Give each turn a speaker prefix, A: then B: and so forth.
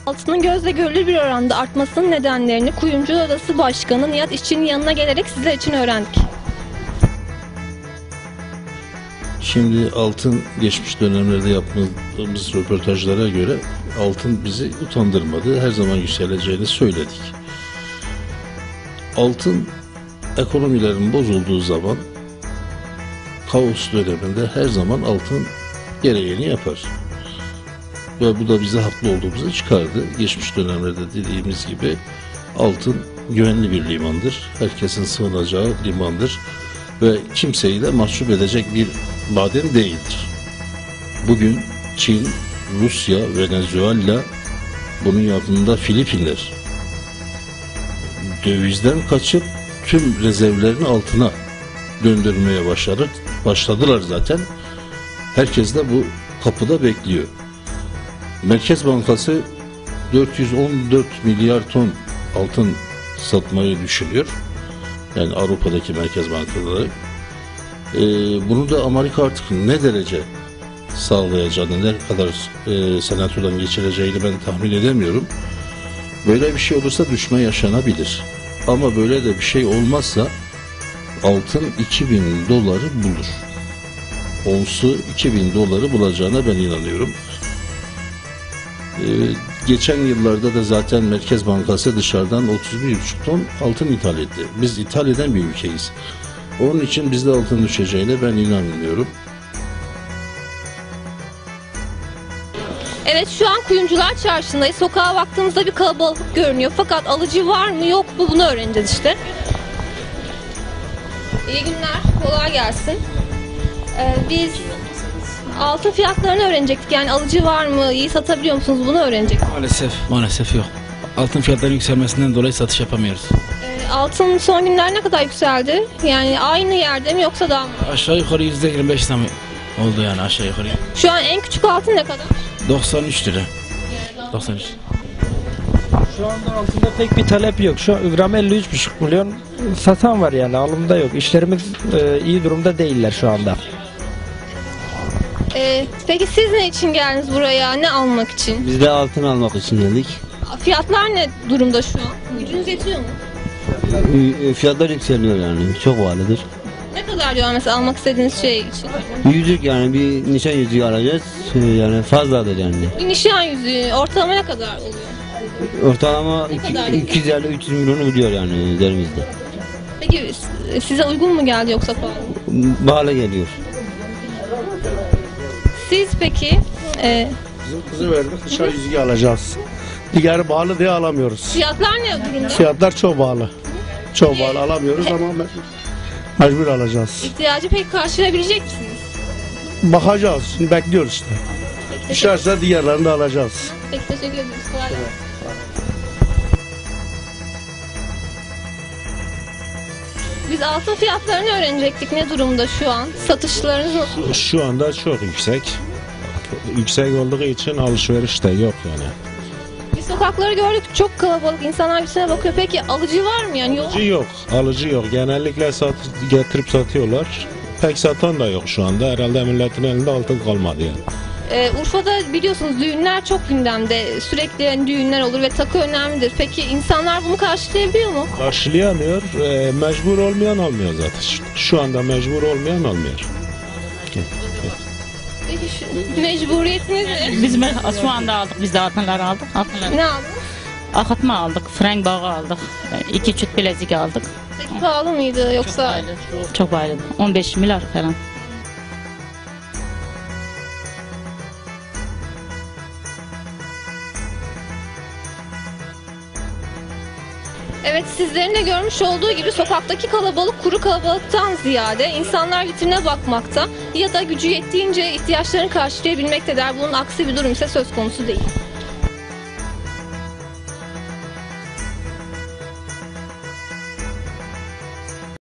A: Altının gözle görülür bir oranda artmasının nedenlerini Kuyumcular Odası Başkanı Nihat İşçi'nin yanına gelerek sizler için öğrendik.
B: Şimdi altın geçmiş dönemlerde yaptığımız röportajlara göre altın bizi utandırmadı. Her zaman yükseleceğini söyledik. Altın ekonomilerin bozulduğu zaman, kaos döneminde her zaman altın gereğini yapar. Ve bu da bize haklı olduğumuzu çıkardı. Geçmiş dönemlerde dediğimiz gibi altın güvenli bir limandır. Herkesin sığınacağı limandır. Ve kimseyi de mahcup edecek bir maden değildir. Bugün Çin, Rusya, Venezuela, bunun yanında Filipinler dövizden kaçıp tüm rezervlerini altına döndürmeye başladılar zaten. Herkes de bu kapıda bekliyor. Merkez Bankası 414 milyar ton altın satmayı düşünüyor. Yani Avrupa'daki merkez bankaları. Bunu da Amerika artık ne derece sağlayacağını, ne kadar senatodan geçireceğini ben tahmin edemiyorum. Böyle bir şey olursa düşme yaşanabilir. Ama böyle de bir şey olmazsa altın 2000 doları bulur. Onsu 2000 doları bulacağına ben inanıyorum. Geçen yıllarda da zaten Merkez Bankası dışarıdan 31,5 ton altın ithal etti. Biz ithal eden bir ülkeyiz. Onun için bizde altın düşeceğine ben inanmıyorum.
A: Evet, şu an Kuyumcular Çarşısı'ndayız. Sokağa baktığımızda bir kalabalık görünüyor. Fakat alıcı var mı yok mu bunu öğreneceğiz işte. İyi günler, kolay gelsin. Biz altın fiyatlarını öğrenecektik. Yani alıcı var mı, iyi satabiliyor musunuz bunu öğrenecektik.
C: Maalesef yok. Altın fiyatlarının yükselmesinden dolayı satış yapamıyoruz.
A: Altın son günler ne kadar yükseldi? Yani aynı yerde mi yoksa daha mı?
C: Aşağı yukarı %25 zam oldu yani aşağı yukarı.
A: Şu an en küçük altın ne kadar?
C: 93 lira. 93.
D: Şu anda altında pek bir talep yok. Şu an gram 53,5 milyon satan var yani alımda yok. İşlerimiz iyi durumda değiller şu anda.
A: Peki siz ne için geldiniz buraya? Ne almak için?
E: Biz de altın almak için geldik.
A: Fiyatlar ne durumda şu an? Gücünüz yetiyor mu?
E: Fiyatlar yükseliyor yani. Çok pahalıdır.
A: Ne kadar diyor mesela almak istediğiniz şey için?
E: Yüzük yani bir nişan yüzüğü alacağız. Yani fazladır yani.
A: Bir nişan yüzüğü ortalama ne kadar oluyor?
E: Ortalama 250-300 milyonu biliyor yani üzerimizde.
A: Peki size uygun mu geldi yoksa pahalı?
E: Pahalı geliyor.
A: Siz peki
F: Bizim kızı verdik, nişan yüzüğü alacağız. Diğeri pahalı diye alamıyoruz.
A: fiyatlar ne durumda?
F: Fiyatlar çok pahalı. Çok pahalı alamıyoruz ama mecbur alacağız.
A: İhtiyacı pek karşılayabilecek misiniz?
F: Bakacağız, şimdi bekliyoruz işte. Düşerse diğerlerini de alacağız.
A: Peki teşekkür ederiz. Kolay gelsin. Biz altın fiyatlarını öğrenecektik. Ne durumda şu an? Satışlarınız nasıl?
G: Şu anda çok yüksek. Yüksek olduğu için alışveriş de yok yani.
A: Biz sokakları gördük. Çok kalabalık. İnsanlar birbirine bakıyor. Peki alıcı var mı? Yani yok.
G: Alıcı yok. Genellikle getirip satıyorlar. Pek satan da yok şu anda. Herhalde milletin elinde altın kalmadı yani.
A: Urfa'da biliyorsunuz düğünler çok gündemde. Sürekli yani düğünler olur ve takı önemlidir. Peki insanlar bunu karşılayabiliyor mu?
G: Karşılayamıyor. Mecbur olmayan almıyor zaten. Şu anda mecbur olmayan almıyor.
A: Peki mecburiyetiniz ne?
H: Biz şu anda aldık, biz de altınları aldık. Altınları.
A: Ne aldınız?
H: Akıtma aldık, frenk bağı aldık, 2 çüt bilezik aldık.
A: Peki pahalı mıydı yoksa?
H: Çok pahalı. 15 milyar falan.
A: Evet, sizlerin de görmüş olduğu gibi sokaktaki kalabalık kuru kalabalıktan ziyade insanlar vitrine bakmakta ya da gücü yettiğince ihtiyaçlarını karşılayabilmektedir. Bunun aksi bir durum ise söz konusu değil.